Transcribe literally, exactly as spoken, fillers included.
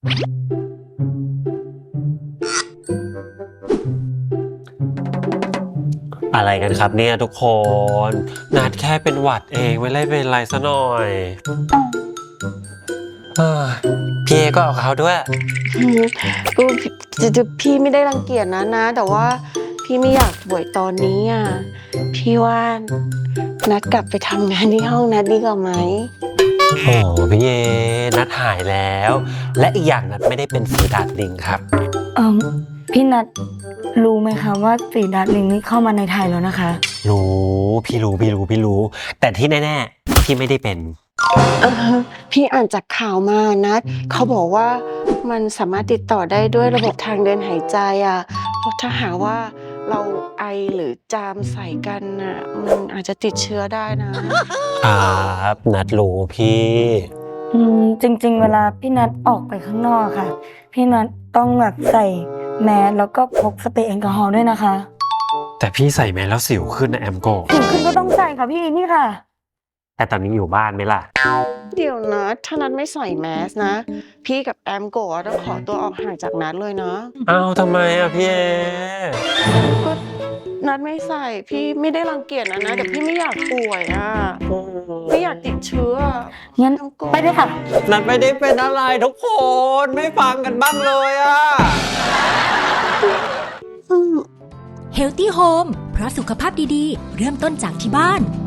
อะไรกันครับเนี่ยทุกคนนัดแค่เป็นหวัดเองไม่ได้เป็นไรซะหน่อยเฮ้ยพี่เอก็เอาเขาด้วยอืมก็จะจะพี่ไม่ได้รังเกียจนะนะ แต่ว่าพี่ไม่อยากป่วยตอนนี้อ่ะพี่ว่านัดกลับไปทำงานที่ห้องนัดดีกว่าไหมโอ้พี่เอนัดหายแล้ว และอีกอย่างนัดไม่ได้เป็นฝีดาดลิงครับเออพี่นัทรู้ไหมคะว่าฝีดาดลิงนี่เข้ามาในไทยแล้วนะคะรู้พี่รู้พี่รู้พี่รู้ แต่ที่แน่ๆพี่ไม่ได้เป็นเออพี่อ่านจากข่าวมานัดเขาบอกว่ามันสามารถติดต่อได้ด้วยระบบทางเดินหายใจอ่ะเพราะถ้าหากว่าเราไอหรือจามใส่กันอ่ะมันอาจจะติดเชื้อได้นะครับนัดรู้พี่อืมจริงๆ เวลาพี่นัทออกไปข้างนอกค่ะ พี่นัทต้องแบบใส่แมสแล้วก็พกสเปรย์แอลกอฮอล์ด้วยนะคะแต่พี่ใส่แมสแล้วสิวขึ้นนะแอมโกถึงขึ้นก็ต้องใส่ค่ะพี่นี่ค่ะแต่ตอนนี้อยู่บ้านไหมล่ะเดี๋ยวนะถ้านัดไม่ใส่แมสนะ พี่กับแอมโกะต้องขอตัวออกห่างจากนัดเลยนะอ้าวทำไมอ่ะพี่เอก็นัดไม่ใส่พี่ไม่ได้รังเกียจนะนะแต่พี่ไม่อยากป่วยอ่ะไม่อยากติดเชื้องั้นแอมโกะไปเลยค่ะนัดไม่ได้เป็นอะไรทุกคนไม่ฟังกันบ้างเลยอ่ะอืม Healthy Home เพราะสุขภาพดีๆ เริ่มต้นจากที่บ้าน